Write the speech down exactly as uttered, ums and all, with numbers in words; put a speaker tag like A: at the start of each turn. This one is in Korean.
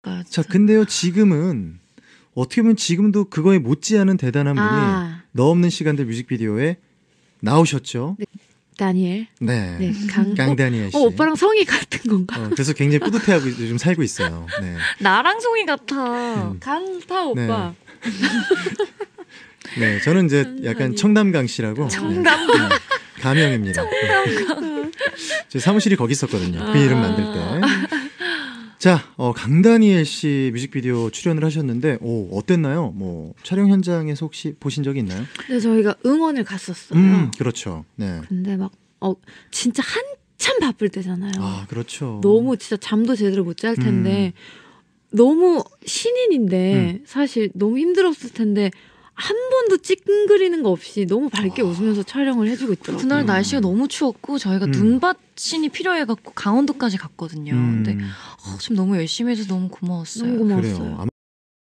A: 그러니까요.
B: 자, 근데요, 지금은 어떻게 보면 지금도 그거에 못지않은 대단한 분이
C: 아.
B: 너 없는 시간들 뮤직비디오에 나오셨죠.
C: 네. 다니엘.
B: 네.
C: 네, 강.
B: 강다니엘 씨.
C: 어, 오빠랑 성이 같은 건가?
B: 어, 그래서 굉장히 뿌듯해하고 요즘 살고 있어요. 네.
A: 나랑 송이 같아.
B: 음.
C: 강타 오빠.
B: 네, 저는 이제 약간 청담강 씨라고.
A: 청담강.
B: 네, 가명입니다. 청담강. 제 사무실이 거기 있었거든요. 그 이름 만들 때. 자, 어, 강다니엘 씨 뮤직비디오 출연을 하셨는데, 오, 어땠나요? 뭐 촬영 현장에서 혹시 보신 적이 있나요?
C: 네, 저희가 응원을 갔었어요.
B: 음, 그렇죠. 네.
C: 근데 막, 어, 진짜 한참 바쁠 때잖아요.
B: 아, 그렇죠.
C: 너무 진짜 잠도 제대로 못 잘 텐데, 음. 너무 신인인데, 음. 사실 너무 힘들었을 텐데, 한 번도 찡그리는 거 없이 너무 밝게 아. 웃으면서 촬영을 해주고 있더라고요.
A: 그날 날씨가 너무 추웠고 저희가 음. 눈밭신이 필요해갖고 강원도까지 갔거든요. 음. 근데 어, 지금 너무 열심히 해서 너무 고마웠어요.
C: 너무 고마웠어요.
B: 그래요.